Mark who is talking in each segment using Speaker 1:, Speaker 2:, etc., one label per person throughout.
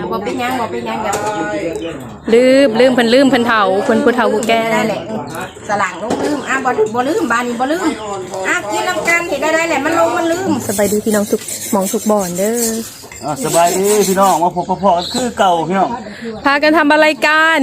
Speaker 1: บ่เป็นยังอย่า
Speaker 2: ลืมเพิ่นลืมเพิ่นเฒ่าเพิ่นผู้เฒ่าผู้แก่
Speaker 1: ได้แหละสลังลงลืมบ่ลืมบ้านนี้บ่ลืมกินน้ำกันเห็นได้แหละมันลงมันลืม
Speaker 2: สบายดีพี่น้องทุกหมองทุกบ่อนเด้อ
Speaker 3: สบายดีพี่น้องมาพบพ่อคือเก่าพี่น้อง
Speaker 2: พากันทำอะไรกัน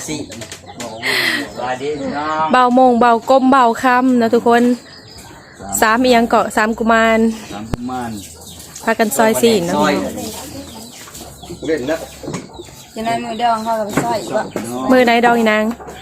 Speaker 3: สบายดีพี่น้อง
Speaker 2: เบาโมงเบาก้มเบาค่ำนะทุกคน3อีหยังเกาะ3กุมารพากันซอย4นะ
Speaker 3: เล่นแล้ว
Speaker 1: จะได้มือดองเขากับซอยอีก
Speaker 2: มือใดดองอีนาง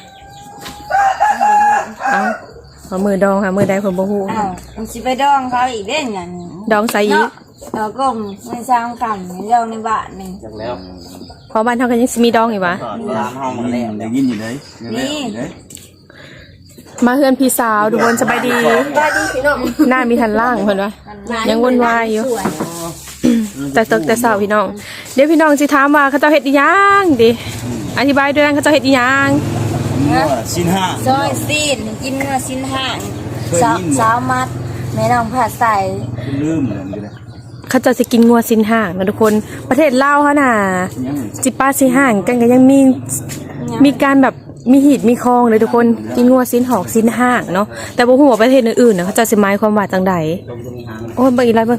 Speaker 2: เอามือดองค่ะมือใดผมบ่ฮู้
Speaker 1: มันสิไปดองเขาอีกเด้งั้น
Speaker 2: ดองใส่อีก
Speaker 1: ก็ไม่สร้างกันดองในบ้านนึง
Speaker 3: จังแล้ว
Speaker 2: พอบ้านเฮาก็ยังสิมีดองอีกวะ
Speaker 3: 3ห้องแล้วได้ยินอยู่เลยนี่
Speaker 2: มาเฮือนพี่สาวทุกคนสบายดี
Speaker 1: พี่น้อง
Speaker 2: หน้ามีทันล่างเพิ่นวะยังวุ่นวายอยู่แต่ตึกแต่สาวพี่น้องเดี๋ยวพี่น้องสิถามว่าเขาเจ้าเฮ็ดอีหยังดิอธิบายด้วยนะเขาเจ้าเฮ็ดอีหยัง
Speaker 3: ชิ้น5
Speaker 1: ซอยซีนกินเนื้อชิ้น5สาวมัดแม่น้องผัดใส่
Speaker 3: ลืมเลย
Speaker 2: เขาเจ้าสิกินงัวสิ้นห่างนะทุกคนประเทศลาวเฮาน่ะสิป้าสิห่างกันก็ยังมีการแบบมีหีดมีคลองเลยทุกคนกินงัวสิ้นหอกสิ้นห่างเนาะแต่บ่ฮู้ว่าประเทศอื่นๆน่ะเขาเจ้าสิหมายความว่าจังใดโอ้ยเบิ่งอีกแล้วเบิ่ง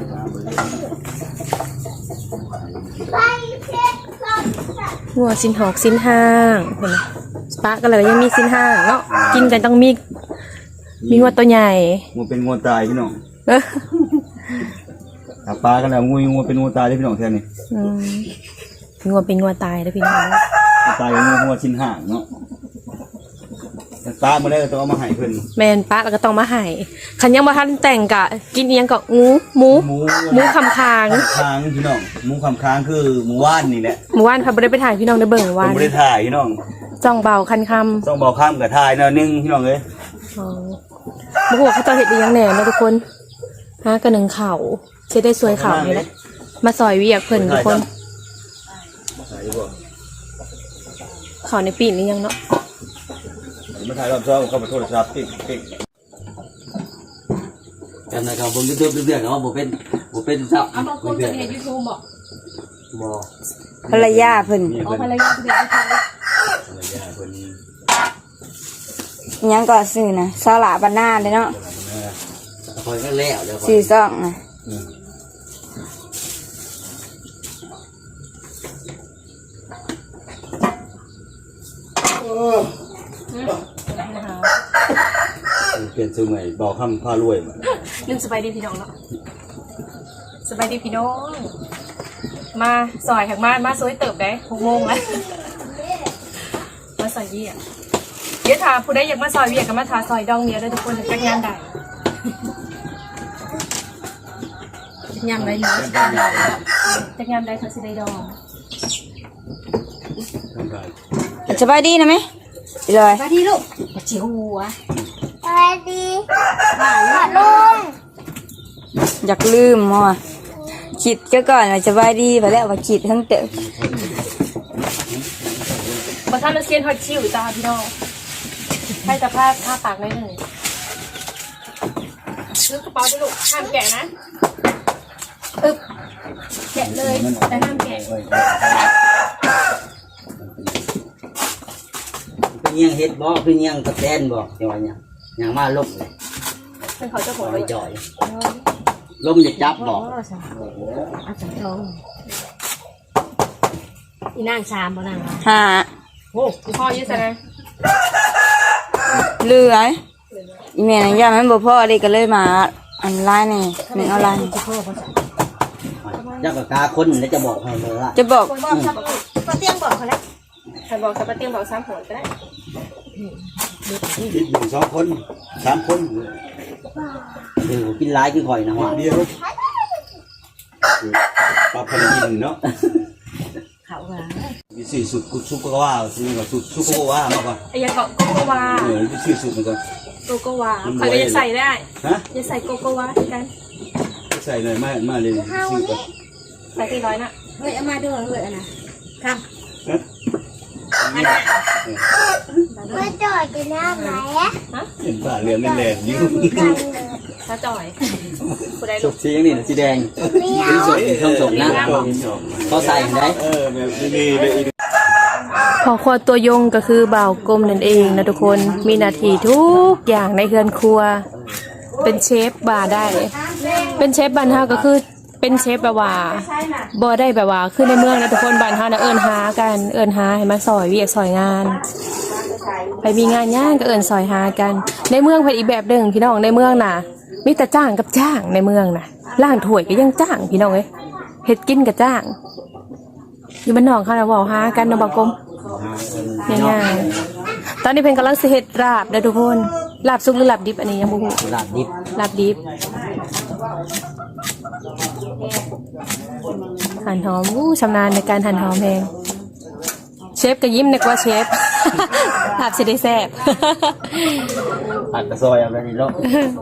Speaker 2: งัวสิ้นหอกสิ้นห่างเห็นไหมปลาก็เลยยังมีสิ้นห่างเนาะกินกันต้องมีงัวตัวใหญ่
Speaker 3: งัวเป็นงัวตายพี่น้องปลากันแล้วงัวเป็นงัวตายได้พี่น้องแค่นี้
Speaker 2: งัวเป็นงัวตายได้พี่น้อง
Speaker 3: ตายงัวชิ้นห่างเนาะปลาเมื่อไรก็ต้องเอามาให้เพิ่น
Speaker 2: แมนปลาแล้วก็ต้องมาให้ขันยังบ่ทันแต่งกะกินเอียงกะหมูคำค้าง
Speaker 3: พี่น้องหมูคำค้างคือหมูว่านนี่แหละ
Speaker 2: หมูว่านค่ะบ่ได้ไปถ่ายพี่น้องได้เบิ่งว่าน
Speaker 3: บ่ได้ถ่ายพี่น้อง
Speaker 2: จ้องเบาคันคำ
Speaker 3: จ้องเบาค่ำกับถ่ายแนวนึงพี่น้องเอ้ย
Speaker 2: บ่ฮู้ว่าเขาจะเฮ็ดอีหยังแหน่นะทุกคนหากระนึงข้าวสิได้สวยข้าวนี่แหละมาซอยเวียกเพิ่นทุกคนข้าวในปีนี้ยังเนาะ
Speaker 3: มาถ่ายรอบ2เข้ามาโทรศัพท์ติ๊กจำได้ครับผมเรื่องเนาะบ่เป็นซับ
Speaker 2: เอาบางคนจะเฮ็ด YouTube
Speaker 3: บ่
Speaker 1: ภรรยาเพิ่น
Speaker 2: ภรรยาเพิ่น
Speaker 1: ยังก็ซื้อนะสาระบ้านนาเลยเนาะ
Speaker 3: คอยก็แล้วเดี๋ยว
Speaker 1: ซื้อซ่องนะ
Speaker 3: เปลี่ยนชื่อใหม่เบาค่ำผ้ารวย
Speaker 2: ลืมสบายดีพี่น้องเนาะสบายดีพี่น้องมาซอยแขกมาซอยเติบได้6 โมงแล้วมาซอยเวียกเดี๋ยวถ้าผู้ใดอยากมาซอยเวียกก็มาทาซอยดองเดียวได้ทุกคนจักงานได้ยำได้เนาะจักงานได้เขาสิได้ดอง
Speaker 1: สบายดีนะไหมเลย
Speaker 2: สบายดีลูกเจียวหัว
Speaker 1: สบายดีลุงอยากลืมมั้งคิดก็ก่อนว่าสบายดีไปแล้วว่าคิดทั้งเต๋อ
Speaker 2: มาทำเราเซียนฮอตชิวจ้าพี่น้องให้แต่ผ้าปากไว้หนึ่งซื้อกระเป๋าด้วยลูกห้ามแกะนะแกะเลยแต่ห้ามแกะ
Speaker 3: เป็นยังเฮ็ดบ่เป็นยังกระแตนบ่จังหวะเนี่ยยังมาลบเลย
Speaker 2: เป็นเขาเจ้าของ
Speaker 3: จ่อยลมจะจับบ่
Speaker 2: อาจารย์ทองอีนางชามบ่นางโอ้คุณพ่อยืดใส่ไหม
Speaker 1: เลื่อยอีเมลนั่นย่ามันบ่พ่อเลยก็เลยมาอันไลน์นี่หนึ่งเอาไลน์
Speaker 3: ยักษ์กาคนแล้วจะบอกให้เลยล่ะ
Speaker 1: จะบอก
Speaker 2: ป้าเตี้ยงบอกเขาแล้วใครบอกป้าเตี้ยงบอก3 คนก็ได้
Speaker 3: คิดอยู่2 คน3 คนเดี๋ยวกินหลายกินข่อยนะฮะเดียวปลาพันกินเนาะ
Speaker 2: เขาว่า
Speaker 3: มี4 สุดซุปก็ว่าซื้อกับซุปก็ว่ามาก่อน
Speaker 2: ไอ้ยังเกาะโกโกวา
Speaker 3: มี4 สุดมันก่อน
Speaker 2: โกโกวาใครก็จะใส่ได้จะใส่โกโกวากัน
Speaker 3: ใส่เลยมาเลย
Speaker 2: ใส่400นะ
Speaker 1: เฮ้ยเอามาดูเลยนะครับ
Speaker 4: มาจ่อยกินน้ำไหนอะ
Speaker 3: เห็นป่าเรือไม่แรงยืม
Speaker 2: ถ้าจ่อย
Speaker 3: สุกสีอย่างนี้สีแดงสีส้มนะเขาใส่ได้แบบนี้เลย
Speaker 2: พอครัวตัวยงก็คือบ่าวกลมนั่นเองนะทุกคนมีหน้าที่ทุกอย่างในเรือนครัวเป็นเชฟบาร์ได้ เป็นเชฟบ้านเฮาก็คือเป็นเชฟแบบว่าบ่ได้แบบว่าขึ้นในเมืองนะทุกคนบ้านเฮานะเอิ้นหากันเอิ้นหาให้มาซอยเวียกซอยงานไปมีงานย่างก็เอิ้นซอยหากันในเมืองเป็นอีกแบบหนึงพี่น้องในเมืองน่ะมีแต่จ้างกับจ้างในเมืองน่ะล้างถ้วยก็ยังจ้างพี่น้องเอ้ยเฮ็ดกินก็จ้างอยู่บ้านนอกเขาน่ะเว้าหากันนะบ่าวกลมง่ายๆตอนนี้เพิ่นกำลังสิเฮ็ดลาบเด้อทุกคนลาบสุกหรือลาบดิบอันนี้ยังบ่ฮู้
Speaker 3: ลาบดิบ
Speaker 2: ลาบดิบหั่นหอมชำนาญในการหั่นหอมเองเชฟก็ยิ้มนึกว่าเชฟ ลาบสิได้แซ่บ
Speaker 3: ผัดกระซอยเอาไปนี่เนาะ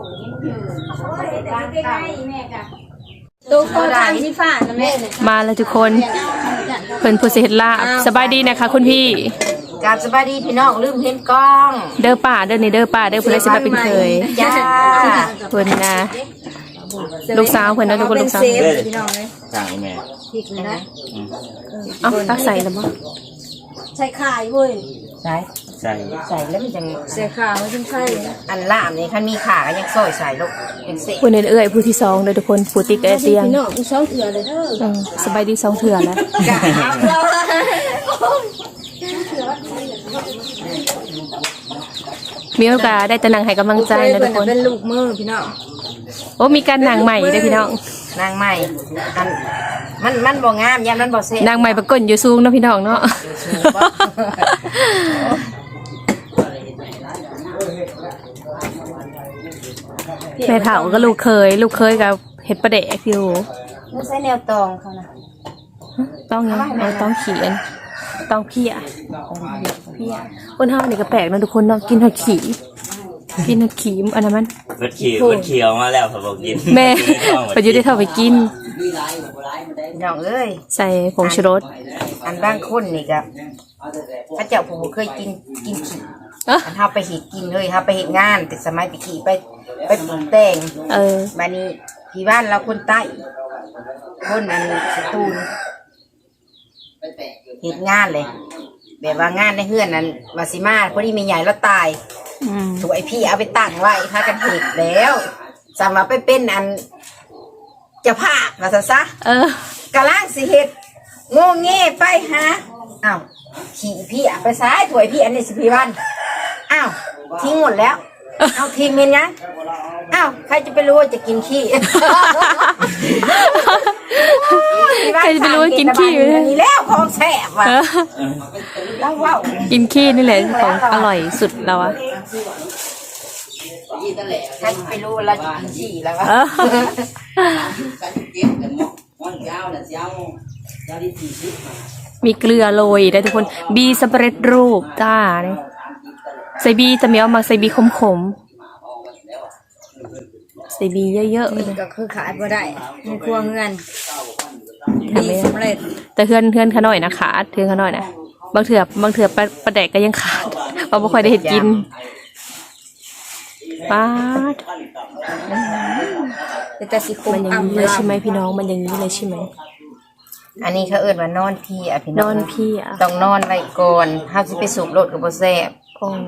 Speaker 1: ตู้โคตรทำที่ฝ่านะแม่เนี่ย
Speaker 2: มาแล้วทุกคนเพิ่นผู้สิเฮ็ดลาบสบายดีนะคะคุณพี่
Speaker 5: กราบสบายดีพี่น้องลืมเห็นกล้อง
Speaker 2: เด้อป่าเด้อนี่เด้อป่าเด้อผู้ใดสิมาเป็นเคย
Speaker 5: จ้า
Speaker 2: เพิ่นนะลูกสาวเพิ่นนะทุกคนลูกสาว
Speaker 1: เป็นเซฟพี่น้องเลย
Speaker 3: จ้างแม่
Speaker 1: พริกเลยนะ
Speaker 2: เอ้าตักใส่แล้วบ่
Speaker 1: ใส่ข่ายเว้ย
Speaker 5: ใส่
Speaker 3: ใส่
Speaker 5: ใส่แล้วมันจัง
Speaker 1: ใส่ข่ายมันเป็นไข่นะ
Speaker 5: อันล่ามนี่คันมีขาก็ยังซอยใส่ลูกเป็นเศษ
Speaker 2: ผู้เอื้อยผู้ที่2เด้อทุกคนผู้ติ๊กกับไอ้เตียง
Speaker 1: พี่น้องช่องเถื่อเลยเด้อ
Speaker 2: สบายดี2เทื่อแล้ว
Speaker 5: กะเอา
Speaker 2: มีโอกาสได้แต่นั่งให้กำลังใจนะทุกคน
Speaker 1: เป็นลูกมือพี่น้อง
Speaker 2: โอ้มีการนางใหม่ด้วยพี่น้อง
Speaker 5: นางใหม่อันมันบ่งามยามมันบ่เซ่
Speaker 2: นางใหม่ประกนอยู่สูงเนาะพี่น้องเนาะแม่เฒ่าก็ลูกเคยกับเห็ดประเดกอยู่
Speaker 5: มันใส่แนวตองเขานะ
Speaker 2: ต้องยังต้องเขียนต้องเพี้ยคนเฮานี่ก็แปลกนะทุกคนเนาะกินหอดขี่อันนั้นมัน
Speaker 6: เบิดเขียวมาแล้วเขาบอกกิน
Speaker 2: แม่ประยุทธ์ได้เข้าไปกิน
Speaker 5: พี่น้องเอ้ย
Speaker 2: ใส่ผงชูรส
Speaker 5: อันบางคนนี่ก็พระเจ้าผู้บ่เคยกินขี่
Speaker 2: เอ้อ
Speaker 5: อันเฮาไปเฮ็ดกินเลยเฮาไปเฮ็ดงานแต่สมัยไปขี่ไปปลูกแต่ง บัดนี้ที่บ้านเราคนใต้คนอันสตูลเฮ็ดงานเลยแบบว่างานในเฮือนนั้นวาสิมาพอดีแม่ใหญ่แล้วตาย
Speaker 2: อืม
Speaker 5: ถูกไอพี่เอาไปตั้งไว้พากันเฮ็ดแล้วสามารถไปเป็นอันเจ้าภาพว่าซะ กะล่างสิเฮ็ดโง่เง่ไปหาอ้าวขี่พี่อะไปซ้ายถวยพี่อันนี้สิพี่วันอ้าวทิ้งหมดแล้วเอาทิ้งเมนยังอ้าวใครจะไปรู้ว่าจะกินขี้
Speaker 2: ใครจะไปรู้ว่ากินขี้
Speaker 5: อันนี้แล้วของแซ่บว่ะแล้วว้าว
Speaker 2: กินขี้นี่แหละของอร่อยสุดแล้วอะ
Speaker 5: ใครจะไปรู้ว่าเราจะกินขี้แล้ววะ
Speaker 2: มีเกลือโรยได้ทุกคนบีสำเร็จรูปจ้าเนี่ยใส่บีจะมีเอามาใส่บีขมใส่บีเยอะๆเลย
Speaker 1: ก็คือขาดบ่ได้ในครัวเงินดีสำเร็จ
Speaker 2: แต่เพื่อนเขาหน่อยนะขาดเพื่อนเขาหน่อยนะบางเถื่อปลาแดกก็ยังขาดเพราะไม่ค่อยได้เห็นกินป้าด
Speaker 1: แต่สิคม
Speaker 2: มันอย่างนี้เลยใช่ไหมพี่น้องมันอย่างนี้เลยใช่ไหม
Speaker 5: อันนี้เขาเอิ้นว่านอนพี่อ่ะพี่
Speaker 2: น
Speaker 5: น้อ
Speaker 2: อง นพี่อ่ะ
Speaker 5: ต้องนอนไว้ก่อนเฮาสิไปสูบรถก็บ่แซ่บ
Speaker 2: คง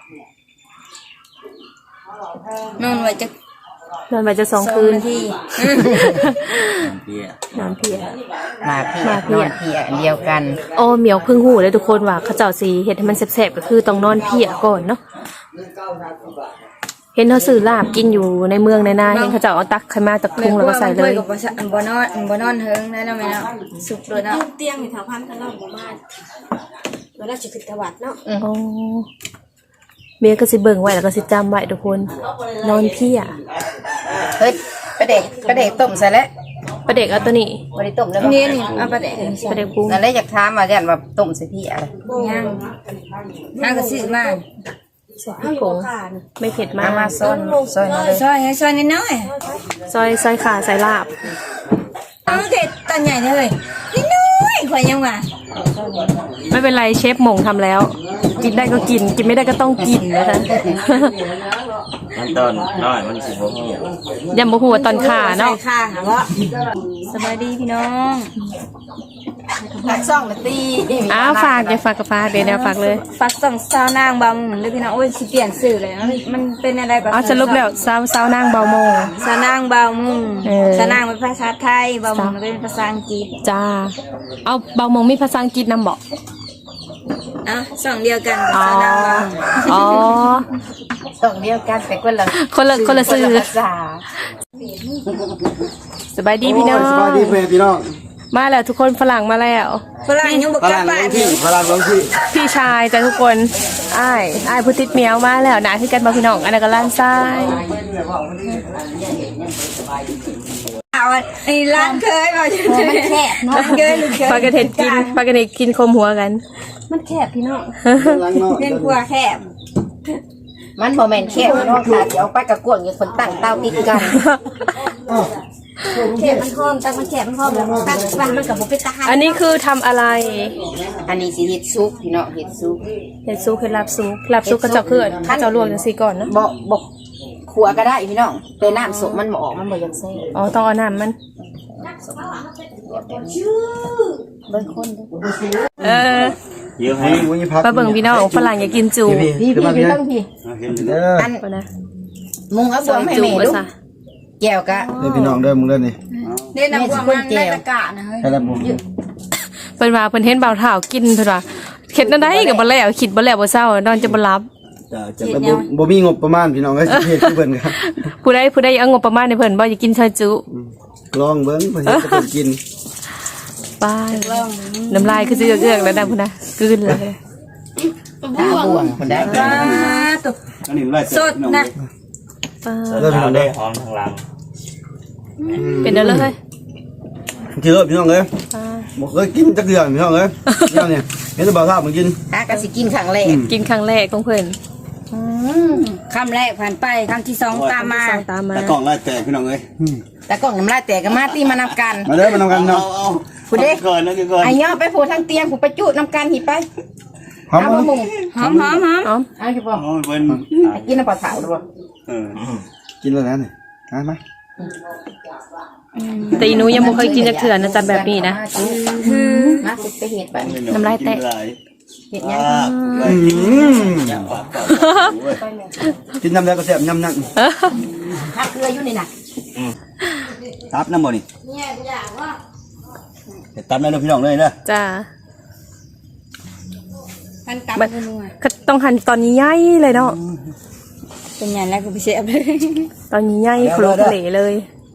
Speaker 1: นอนไว้จะ
Speaker 2: นอนไปจะ2 คืน
Speaker 1: นาที
Speaker 3: เปีย
Speaker 2: นอนพี่อ่ะ
Speaker 5: มาพี่
Speaker 2: มาพี่
Speaker 5: นอ
Speaker 2: อะ
Speaker 5: นพี่อันเดียวกัน
Speaker 2: โอ้เหมียวเพึ่งหูเลยทุกคนว่าเขาเจ้าสีเห็ดให้มันแซ่บๆก็คือต้องนอนเพียก่อนเนาะเห็นเขาซื้อลาบกินอยู่ในเมืองในนาเห็นเขาเจ้าเอาตักขึ้นมาจากทุ่งแล้วก็ใส่เลย
Speaker 1: บ่นอนเฮิงได้แล้วแม่เนาะสุกเลยเนาะ
Speaker 7: เตียงอยู่แถวพันกันรอบหมู่บ้านเวลาจะขึ้นตะวัดเนาะ
Speaker 2: โอ้เมียก็สิเบิ่งไว้แล้วก็สิจำไว้ทุกคนนอนเพีย
Speaker 5: เฮ้ยปลาเด็กต้มใส่แล้ว
Speaker 2: ประเด็กเอาตัวนี้
Speaker 5: บ่ได้ต้มแล้ว
Speaker 1: นี่นี่เอาไปแดก
Speaker 2: ประเด็กปรุง
Speaker 5: นั่นแหละอยากถามว่าย่านว่าต้มใส่พี่อะไร
Speaker 1: ย่างย่างก็ซื้อมา
Speaker 2: ใส่พริกผงไม่เผ็ดมา
Speaker 5: เอามากซอยมาเลย
Speaker 1: ซอยให้ซอยน้อย
Speaker 2: ซอยขาใส่ลาบ
Speaker 1: ๆเอาเด็ดตอนใหญ่เลยน้อยๆข่อยยังว่า
Speaker 2: ไม่เป็นไรเชฟหม่งทำแล้ว กินได้ก็กินไม่ได้ก็ต้องกินนะคะ
Speaker 6: มันตอนน้อยมันสิบ่ฮู้
Speaker 2: ยำบ่ฮู้ว่าตอนขาเนาะ
Speaker 1: ใส่ข้างหาว่าสบายดีพี่น้อง
Speaker 5: ทักซ่องละตี
Speaker 2: อ้าวฝากอย่าฝากกับฝากเดี๋ยวแนวฝากเลย
Speaker 1: ฝากส่องสาวนางบางเลยพี่น้องโอ้ยสิเปลี่ยนสื่อเลยมันเป็นอะไรแบบ
Speaker 2: เอาสรุปแล้วสาวนางเบาโมง
Speaker 1: สาวนางบางมุง
Speaker 2: เออ
Speaker 1: สาวนางเป็นภาษาไทยบางมุงเป็นภาษาอังกฤษ
Speaker 2: จ้าเอาเบาโมงมีภาษาอังกฤษนำบอก
Speaker 1: อ่ะสองเดียวกันกับ
Speaker 2: อ๋อ
Speaker 1: สาวนางบาง
Speaker 2: อ๋อ
Speaker 5: ส่องเดียวกันแต่คนละ
Speaker 2: คนละสื่อ
Speaker 5: ภาษา
Speaker 2: สบายดีพี่น้อง
Speaker 8: สบายดีเพื่อนพี่น้อง
Speaker 2: มาแล้วทุกคนฝรั่งมาแล้ว
Speaker 1: ฝรั่งยังบอก
Speaker 8: พ
Speaker 1: กลั
Speaker 8: ลั
Speaker 1: บ
Speaker 8: ง
Speaker 1: บ้า
Speaker 8: ล
Speaker 1: น
Speaker 8: งที่พลังลงที่
Speaker 2: พี่ชายจ้ะทุกคนอ้ายผู้ติดเมียวมาแล้วนะที่กันมาพี่น้องอันนั้นก็ล้านซ้าย
Speaker 1: เอาไอ้ร้านเคยมาจนมันแคบเนาะเคยหรือเคย
Speaker 2: ปลากระเทศกินคมหัวกัน
Speaker 1: มันแคบพี่น้อง
Speaker 8: หลังนอก
Speaker 1: เล่นครัวแคบ
Speaker 5: มันโมเมนต์แค่พี่น้องค่ะเดี๋ยวไปกับกวงอยู่คนตั้งเต้าติดกัน
Speaker 7: แคบมันหอมจังมันแคบมันหอมแล้วตั้งบ้านมันกับบ่เป็นตาหา
Speaker 2: อันนี้คือทำอะไร
Speaker 5: อันนี้สิเฮ็ดซุปพี่น้องเฮ็ดซุป
Speaker 2: เห็ดซุปคือลาบซุปก็เจ้าเขื่อนเจ้าลวกจังซี่ก่อนเนาะ
Speaker 5: บอกขัวก็ได้พี่น้องแต่น้ำสุกมันบ่ออกมันบ่ยังแซ่บ
Speaker 2: อ๋อต้องเอาน้ำมัน
Speaker 5: เบิ่งคนเด้อ
Speaker 2: เออ
Speaker 6: เยอะให้
Speaker 8: วันนี้พัก
Speaker 2: มาเบิ่งพี่น้องฝรั่งอยากกินจู
Speaker 5: พี่ต้องพี่
Speaker 8: เด้อ
Speaker 5: อัน
Speaker 2: ก่อนนะ
Speaker 5: มุงเอาบวงให้
Speaker 2: จู
Speaker 5: แม่
Speaker 2: มา
Speaker 5: ลูก
Speaker 2: ซะ
Speaker 5: แก้วกะ
Speaker 8: เด้อพี่น้องเด้อมึงเด้อนี่
Speaker 1: เล่นน้ำพวกมันได้ตะกะนะเฮ้ย
Speaker 8: ใครรับผม
Speaker 2: เพิ่นว่าเพิ่นเห็นบ่าวเฒ่ากินเพิ่นว่าเฮ็ดนั่นได้ก็บ่แล้วคิดบ่แล้วบ่เศร้านอนจะบ่หลับ
Speaker 8: จะบ่มีงบประมาณพี่น้องเอ้ยเฮ็ดคือเพิ่นครับ
Speaker 2: ผู้ใดเอางบประมาณให้เพิ่นบ่อยากกินซอยจุ
Speaker 8: ลองเบิ่งเพิ่นเฮ็ดให้เพิ่นกิน
Speaker 2: ป้ายน้ำลายคือสิเอื้อกๆแล้วนะพุ่นนะกลืนเลย
Speaker 5: ตาบวงคนได้
Speaker 1: ตุก
Speaker 3: อันนี้ไล่
Speaker 1: สดนะ
Speaker 2: ป้า
Speaker 8: เด้อพี่น้อง
Speaker 6: ได้
Speaker 8: เด้อ
Speaker 6: หอมทางหลัง
Speaker 2: เป็นเด้อเลย
Speaker 8: กินเด้อพี่น้องเอ้ย
Speaker 2: ป้า
Speaker 8: บ่เคยกินจักเดือนพี่น้องเอ้ยเนี่ยเห็นแต่บ่าวทราบมึงกิน
Speaker 5: ตากะสิกินครั้งแรก
Speaker 2: กินครั้งแรกของเพิ่น
Speaker 1: คำแรกผ่านไปคำที่สองตามมา
Speaker 2: สองตามมา
Speaker 3: แต่กล่องไล่แตกพี่น้องเอ้ย
Speaker 5: แต่กล่องน้ำลายแตกก็มาตีมานำกัน
Speaker 8: มาเด้อมานำกันเนาะ
Speaker 5: ผู้เด้
Speaker 3: ก่อนแล้วก่อน
Speaker 5: ไอ้ย่อไปผูทางเตียงผูไปจุน้ำกันหิไป
Speaker 8: หอม
Speaker 5: เอา
Speaker 8: บ่
Speaker 5: มามุง
Speaker 1: หอมหอมหอม
Speaker 2: อ๋อ
Speaker 5: เอาสิบ่
Speaker 3: โอ้ยเพิ่น
Speaker 5: กินน้ำปลาเผาด้วย
Speaker 3: เออ
Speaker 8: กินแล้วนะนี่มา
Speaker 2: แต่อีหนูยังบ่เคยกินจักเทื่อนะจ๊ะแบบนี้นะ
Speaker 5: มาสิไปเฮ็ดไป
Speaker 2: น้ำลายแตก
Speaker 5: เฮ็ดยัง
Speaker 8: กินน้ำแล้วก็แซ่บยำนั่น
Speaker 5: ถ้าเกลืออยู่นี่น่ะ
Speaker 3: ตับน้ำบ่นี่ตับได้พี่น้องเลยเด้อ
Speaker 2: จ้า
Speaker 1: พันตับ
Speaker 2: มัน
Speaker 1: นัว
Speaker 2: ก็ต้องหั่นตอนใหญ่ๆเลยเนาะ
Speaker 1: เป็นอย่างแรกคือพิเศษเลย
Speaker 2: ตอนใหญ่ๆโคลทะเลเลย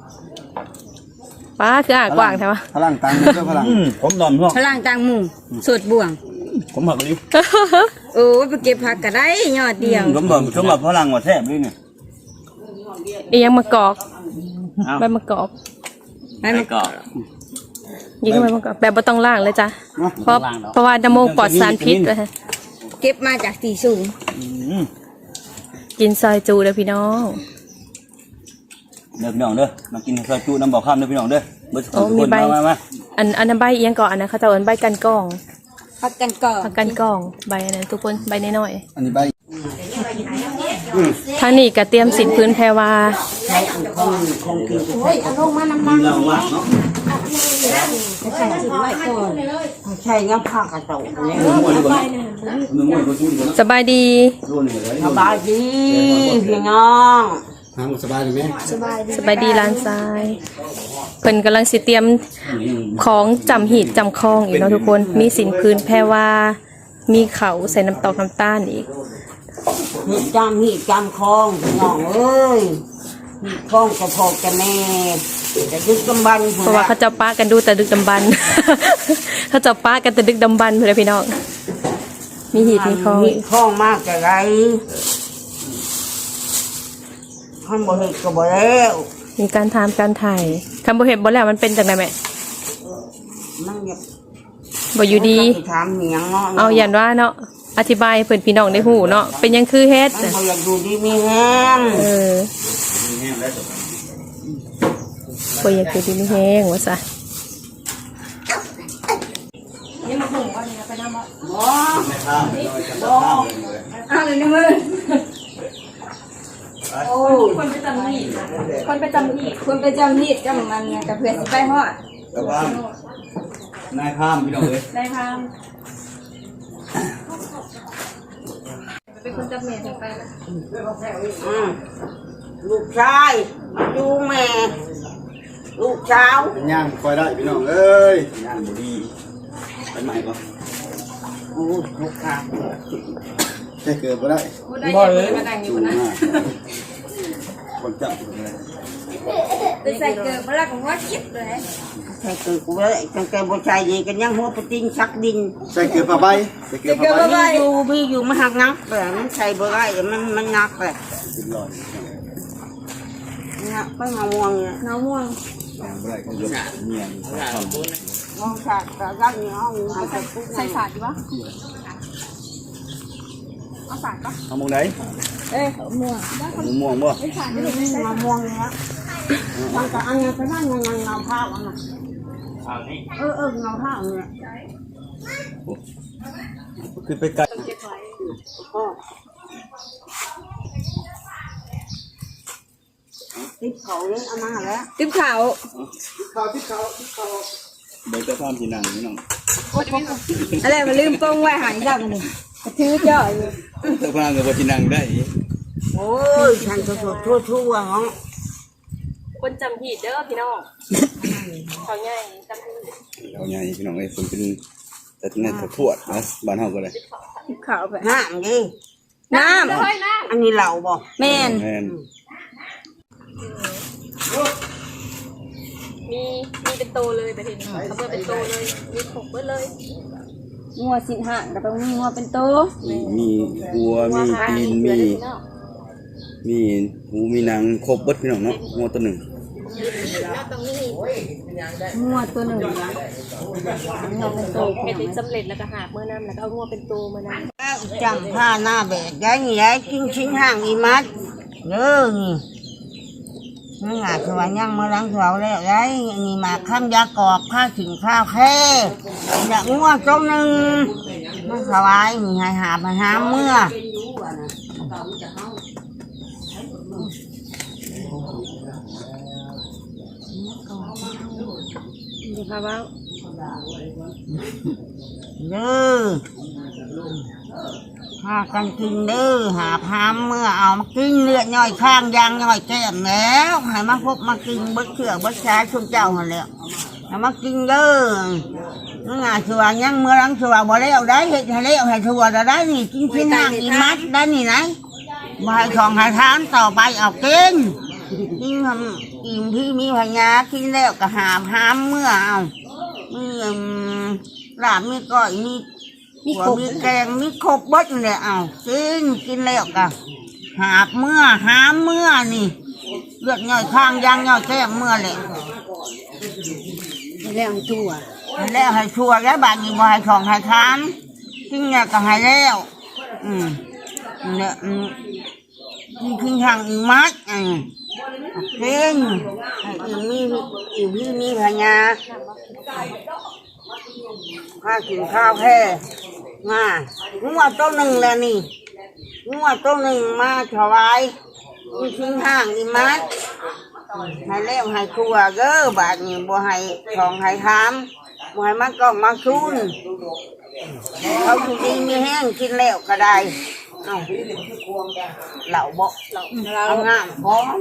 Speaker 2: ป้าคืออ่างกว้างใช่ปะ
Speaker 8: พลังตังค์เด้อพลัง
Speaker 3: ผมนอนพี่น้อง
Speaker 1: พลังต่างหมู่สดบ่วง
Speaker 3: ผมหักเลย
Speaker 1: โอ้ยไปเก็บผักก็ได้ยอดเดียว
Speaker 3: ผมบอกสมบัติพลังว่าแซ่บเลยเนี่ย
Speaker 2: อียังมะกอกใบมะกอก
Speaker 1: ไม่มัน
Speaker 6: ก็
Speaker 2: ยิงใบมะกอกแบบบ่ต้องล่างเลยจ้ะเพราะว่าน้ำโมกปลอดสารพิษเลย
Speaker 1: เก็บมาจากตีสูง
Speaker 2: กินซอยจูเด้อพี่น้อง
Speaker 3: เด้อพี่น้องเด้อมากินซอยจุน้ำบ่อข้ามเด้อพี่น้องเด้อเบิดทุกคนมา
Speaker 2: อันนั้นใบเอียงก่อนอันนั้นเขาจะเอาใบกันกอง
Speaker 1: พักกันก่อน
Speaker 2: ผักกันกองใบอันนั้นทุกคนใบน้อย
Speaker 8: อันนี้ใบ
Speaker 2: ๆทางนี้ก็เตรียมสินพื้นแพรวา
Speaker 5: ใช่ยังผักกระโตเนี่ย
Speaker 2: สบายดี
Speaker 5: สบายดีพี่น้อง
Speaker 8: ทางสบายดีไหม
Speaker 2: สบายดีร้านทรายเพิ่นกำลังสิเตรียมของจำหีดจำคลองอีกเนาะทุกคนมีสินพื้นแพรวามีเขาใส่น้ำตอกน้ำตาลอีก
Speaker 5: จำคลองพี่น้องเอ้ยคลองกระพกกระแม่จะดึกกำบัน
Speaker 2: เพราะว่าเขาเจะป้ากันดูแต่ดึกดำบรรพ์ เขาเจะป้ากันแต่ดึกดำบรรพ์เพื่อนพี่น้องมีหีดมีคลอง
Speaker 5: คลองมากจะไรข้างบนเห็ดก็บ่แล้ว
Speaker 2: มีการทำการถ่ายคำบ่เห็นบ่แล้วมันเป็นจากไหนแม่
Speaker 5: มันอยาก
Speaker 2: บ่อยู่ดี
Speaker 5: ถามเหนียงเนาะ
Speaker 2: เอาอย่างว่าเนาะอธิบายให้เพื่อนพี่น้องได้หูเนาะเป็นหยังคือเฮ็ด
Speaker 5: มันบ่อยากดูดีมีแห้ง
Speaker 2: บ่อยากคือที่นี่แห้งว่าซะ
Speaker 1: เอาเลยในมือ
Speaker 2: คนไปจำหีดคนไปจำหีด
Speaker 1: คุณไปจำฮีดกับมันนะกับเพื่อนสิไปฮอด
Speaker 8: กลับบ้านนายข้ามพี่น้องเลย
Speaker 2: ได้พามเป็นคนจำเมียถึงไปนะ
Speaker 5: ลูกชายดูแม่ลูกสาว
Speaker 8: เป็นย่างคอยได้พี่น้องเอ้ยย่างบุรีไปใหม่ก่อน
Speaker 5: โอ้ยลูกค้า
Speaker 8: แค่เกิดก็ได้
Speaker 2: บ่เลยมาแต่งอยู่
Speaker 8: จูง
Speaker 2: นะ
Speaker 8: มากคนจับถูกเลย
Speaker 1: ไปใส่เกิดมาแล้วก็ว่าคิดเลย
Speaker 5: ใช่คือกูเลยตั้งแต่บ่ใจดีกันยังหัวปะติงชักดิน
Speaker 8: ใส่เกลือผ้าใบใส่เกลือผ้าใบ
Speaker 5: พี่อยู่มาหักนักแต่มันใส่บ่ได้มันนักแต่
Speaker 8: สิบร้อย
Speaker 5: นักไปมามวงเนี่ย
Speaker 1: น้ำม่วง
Speaker 8: ย่างบ่ได้ก็ยกเมียนทำ
Speaker 5: มองฉากแต่ยักษ์นี่ห้องหายไปปุ๊บ
Speaker 2: ใส่สาดดีปะเอาสาดปะ
Speaker 8: เอามองไหน
Speaker 1: เอ้ยม่วง
Speaker 8: ม่วงบ่
Speaker 5: มามวงเนี่ยตั้งแต่อันนี้ไปนั่งเงาข้าวอันนั้นเงาข้าวเนี่ย
Speaker 8: ขึ้นไปไกล
Speaker 5: ติดเขาเนี่ยเอามาแล้ว
Speaker 1: ติ๊บขาว
Speaker 8: เบิกแต่ความที่นั่งพี่น้อง
Speaker 1: อะไรมาลืมกล้องไว้หายจับมันนี่กระทือจ่อยอยู่
Speaker 8: แต่พากับว่าที่นั่งได้
Speaker 5: โอ้ยฉันจะสดทั่วๆเนาะ
Speaker 2: คนจำหีดเด้อพี่น้องเขาใหญ่จำหีด
Speaker 8: เอาไงพี่น้องไอ้ฝนเป็นแต่ที่นั่นทวดนะบ้านเฮาก็เลย
Speaker 1: ติ๊บขาวไป
Speaker 5: น้ำดิ
Speaker 1: น้
Speaker 5: อันนี้เหล่าบ่
Speaker 1: ำแม่น
Speaker 8: แม่น
Speaker 2: มีเป็นโตเลยไปทีนี้เขาเปิดเป็นโตเลยมีขกเปิดเลย
Speaker 1: งัวสินห่างก็ต้องมีงัวเป็นโต
Speaker 8: มีวัวมีตีนมีหูมีหนังครบเบิดพี่น้องเนาะงัวตัวหนึ่ง
Speaker 1: งัวตัวหนึ่ง
Speaker 2: เห็ดสำเร็จแล้วก็หาเมื่อนั้นแล้วก็เอางัวเป็นโตเมื่อนั้น
Speaker 5: จังผ้าหน้าแบกได้นี่ได้กินชิ้นห่างอีมัดเด้อนี่นั่งหาสวรรค์ยังมาล้างเขาแล้วได้นี่มาข้ามยากอกผ้าถึงข้าวแค่อยากง่วงจมหนึ่งมาสวายนี่ให้หาไปหาเมื่อ
Speaker 2: ดูค่ะว่า
Speaker 5: เด้อพากันกินเด้อหาพามเมื่อเอามากินเลือดย่อยข้างยางย่อยแก้มแล้วให้มาพบมากินเบิดเชื่อเบิดชาช่วงเจ้าหันแล้วให้มากินเด้อนั่งหาสวรรค์ยังเมื่อรังสวรรค์บ่แล้วได้เห็ดให้แล้วให้สวรรค์ได้นี่กินชิ้นห่างอีมัดได้นี่ไหนบ่ให้ของให้ทานต่อไปเอากินกินทำอิ่มที่มีพญากินแล้วก็หาพามเมื่อเอามีลาบมีก้อยมีหัวมีแกงมีครบเบิดเลยเอากินแล้วก็หาเมื่อหาเมื่อนี่เลือดย่อยข้างยางย่อยแก้มเมื่อเลยแล้วให้ชั่วแล้วให้ชั่วแล้วบางทีบ่ให้ของให้ทานกินเนี่ยก็ให้แล้วเนี่ยกินทางอีมัดกินให้อิ่มพี่มีพญาข้ากินข้าวแค่มางัวตัวหนึ่งแล้วนี่งัวตัวหนึ่งมาถวายมีชิ้นห่างอีมัดให้เลี้ยงให้ครัวเด้อบาดนี้บ่ให้ของให้ทามบ่ให้มันกล้องมาชุนเขาอยู่ดีมีแห้งกินแล้วก็ได้เอาเหล่าบ่เอางามพร้อม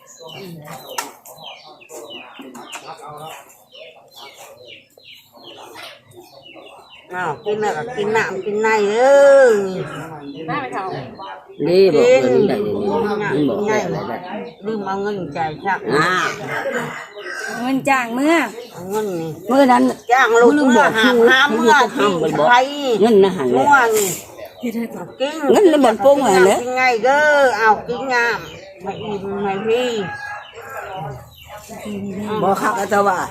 Speaker 5: กินแล้วก็กินน้ำกินในเด้อ
Speaker 2: หน้าไปเขา
Speaker 5: นี่บอกเงินได้นี่บอกง่ายเลยลืมเอาเงินจ่ายชัก
Speaker 1: เงินจ้างเมื่อ
Speaker 5: เงินนี่
Speaker 1: เมื่อนั้น
Speaker 5: จ้างลูกเมื่อหาเมื่อที่ไทยเงินนะหันมั่วนี่กินเงินเลยหมดปุ้งเลยกินไงเด้อเอากินงามมาอิ่มมาพี่บ่คักอาจารย์ว่า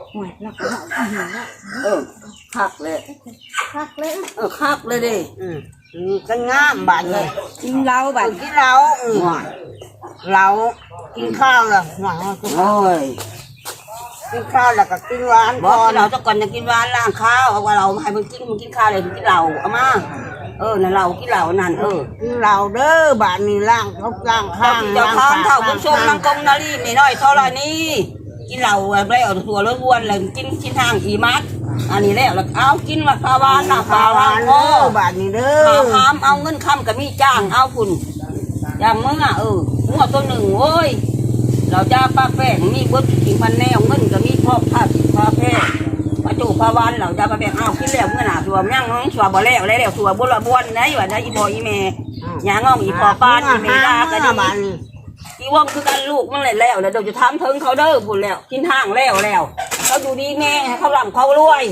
Speaker 5: คักเลยคักเลยดินี่ก็งามบาดเลย
Speaker 1: กินเหล้าบัด
Speaker 5: กินเหล้าเรากินข้าวเลยโอ้ยกินข้าวแล้วก็กินหวานก่อนเราจะก่อนจะกินหวานล้างข้าวเอาว่าเราให้มันกินข้าวเลยกินเหล้าเอามา
Speaker 9: นั่นเรากินเหล้านั่น
Speaker 5: เราเด้อบ้านนี้ล่างเขาล่างข้าง
Speaker 9: เจ้าทานเท่าคุณชมนางกงนาลีไม่น้อยเท่าไรนี่กินเหล้าได้เอาตัวล้วนๆเลยกินทางอีมัดอันนี้แล้วเอากินว่าปลาวานนะปลาวาน
Speaker 5: บ้านนี้เด้อ
Speaker 9: หามเอาเงินคำกับมีจ้างเอาคุณอย่างเมื่อหัวตัวหนึ่งโว้ยเราจะปลาแป้งมีบดกินพันแนวเงินกับมีพ่อผ้าผ้าแป้งปลาจูปลาวานเราจะปลาแป้งเอากินแล้วเมื่อหนาตัวย่างน้องชัวบ่แล้วแล้วชัวบุระบวนนะอยู่นะอีพออีเมย์ย่างงองอีพอปานอีเมย์ด่ากันดีอีว่องคือกันลูกมันเลยแล้วเดี๋ยวจะทำถึงเขาเด้อพูดแล้วกินห้างแล้วเขาดูดีแม่เขาหลังเขารวย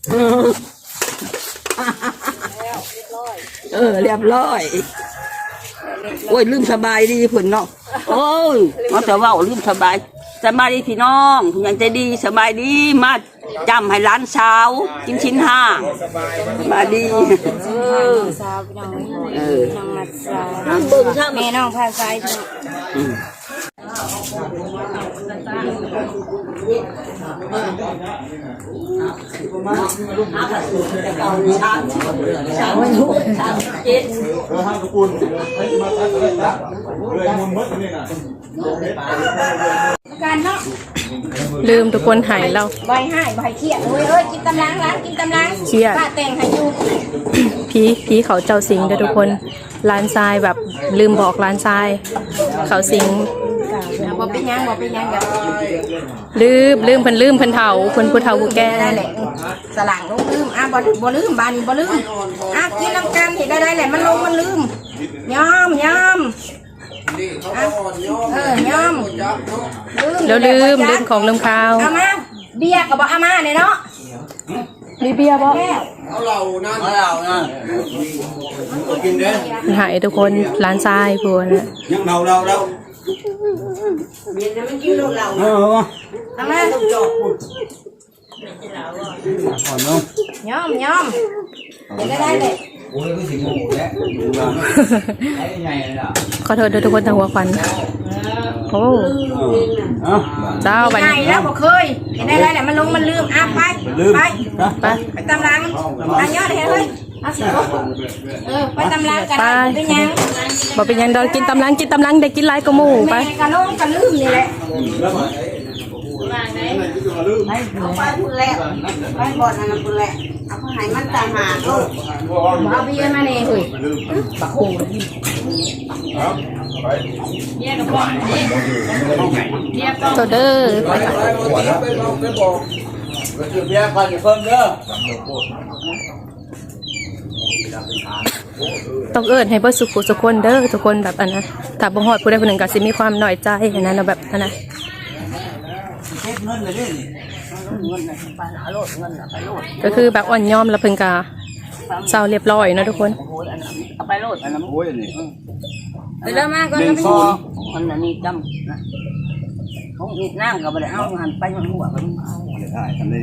Speaker 9: เรียบร้อยโอ้ยลืมสบายดีผุนเนาะโอ้ยมาแต่ว่าลืมสบายดีพี่น้องผู้ใหญ่ใจดีสบายดีมาจำให้ร้านเช้ากินชิ้นห้ามาดี
Speaker 1: สาวน้องน้องมัดสาว
Speaker 9: เบิ่งช่าง
Speaker 1: แม่น้องพาซ้าย
Speaker 7: การเนาะ
Speaker 2: ลืมทุกคนหายเรา
Speaker 7: ใบให้ใบเครียดเอ้ยกินตำลังร้านกินตำลัง
Speaker 2: เครียด
Speaker 7: ป้าแต่งให้อยู่
Speaker 2: ผีเขาเจ้าสิงเด้อทุกคนร้านทรายแบบลืมบอกร้านทรายเขาสิง
Speaker 7: บ่เป็นยังแบบ
Speaker 2: ลืมเพิ่นเฒ่าคนผู้เฒ่าผู้แก่
Speaker 7: ได้แหละสลังลงลืมบ่ลืมบ้านนี้บ่ลืมกินน้ำกันเห็นได้แหละมันลงมันลืมยอมยอม
Speaker 2: แล้วลืมของลืมข้าว
Speaker 7: เอามาเบียร์กับบ่เอามาเนี่ยเนาะ
Speaker 2: มีเบียร์บ่
Speaker 8: เอาเรานั่นกินเด้อ
Speaker 2: หายทุกคนร้านทรายพวกนะ
Speaker 8: ยังเรา
Speaker 9: เมียจะไม่กินเรา
Speaker 7: เอามา
Speaker 8: ก่อนเนาะ
Speaker 7: ยอมเห็นได้เลย
Speaker 8: โอ้ยก็สิงโง่แล้วไอ้ไงล่ะ
Speaker 2: ขอโทษด้วยทุกคนทางหัวควันโอ้เจ้าไป
Speaker 7: ใหญ่แล้วบ่เคยเห็นได้แหละมันลงมันลืมไปตำลังยอดเห็นเลยเอาสิไปตำลังกันเป็นยัง
Speaker 2: บอกเป็นยังดอกกินตำลังได้กินหลายกว่าหมู่ไป
Speaker 7: แม่กะลงกะลืมนี่แหละ
Speaker 9: เอาไปพูดแล้วไปบ่อนนั่นพูดแล้วเอาไปให้มันตายหาลูก
Speaker 7: เอาเบียร์มาเนี่ยเฮ้ย
Speaker 2: ตัวเด้อ
Speaker 8: ไปบอกเบียร์ก่อนอย่าเพิ่มเด้อ
Speaker 2: ต้องเอิ้นให้เบิดสุขสุคนเด้อทุกคนแบบอันนะถ้าบ่ฮอดผู้ใดผู้หนึ่งก็สิมีความน้อยใจอันนั้นแบบอันนะก็คือแบบอ่อนยอมแล้วเพิ่นก็เศร้าเรียบร้อยเนาะทุกคน
Speaker 9: เอาไปโลดอันนั้น
Speaker 8: โอ้ยนี่
Speaker 9: ไปเริ่มมาก่อนนะมันนี่จำนะเขาอีกนั่งก็ไปเอาหันไปหันหัวไปเอา
Speaker 8: ได้ทำได้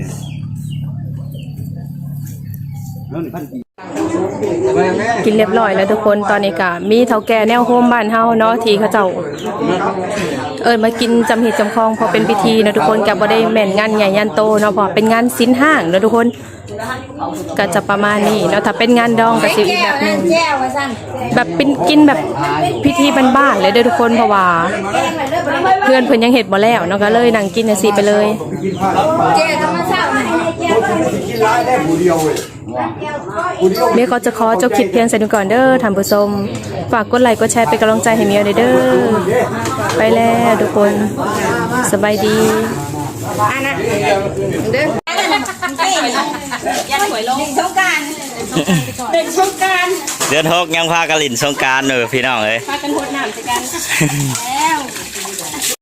Speaker 8: แล้วนี่พันกี่
Speaker 2: กินเรียบร้อยแล้วทุกคนตอนนี้ก็มีเฒ่าแก่แนวโฮมบ้านเฮาเนาะที่เขาเจ้ามากินจำหีดจำคองพอเป็นพิธีเนาะทุกคนก็บ่ได้แม่นงานใหญ่ยันโตเนาะพอเป็นงานศีลห้างเนาะทุกคนก็จะประมาณนี้เนาะถ้าเป็นงานดองก็สิอีกแบบนึง
Speaker 7: แก้วว่าซั่น
Speaker 2: แบบเป็นกินแบบพิธีบ้านๆเลยเด้อทุกคนเพราะว่าเพื่อนเพิ่นยังเฮ็ดบ่แล้วเนาะก็เลยนั่งกินจังซี่ไปเลย
Speaker 7: แก้วธรรมชาติแก้ว
Speaker 8: กินร้ายได้ผู้เดียวเว้ย
Speaker 2: เมียก็จะขอจบคลิปเพียงเท่านี้ก่อนเด้อท่านผู้ชมฝากกดไลค์กดแชร์เป็นกำลังใจให้เมียเด้อไปแล้วทุกคนสบายดี
Speaker 7: อันน่ะเด้อยังหวยลงสงการเป็นสงการ
Speaker 6: เดือน6ยังพากันลินสงกรานต์พี่น้องเอ้ย
Speaker 7: พากันโหดน้ำใส่กันแล้ว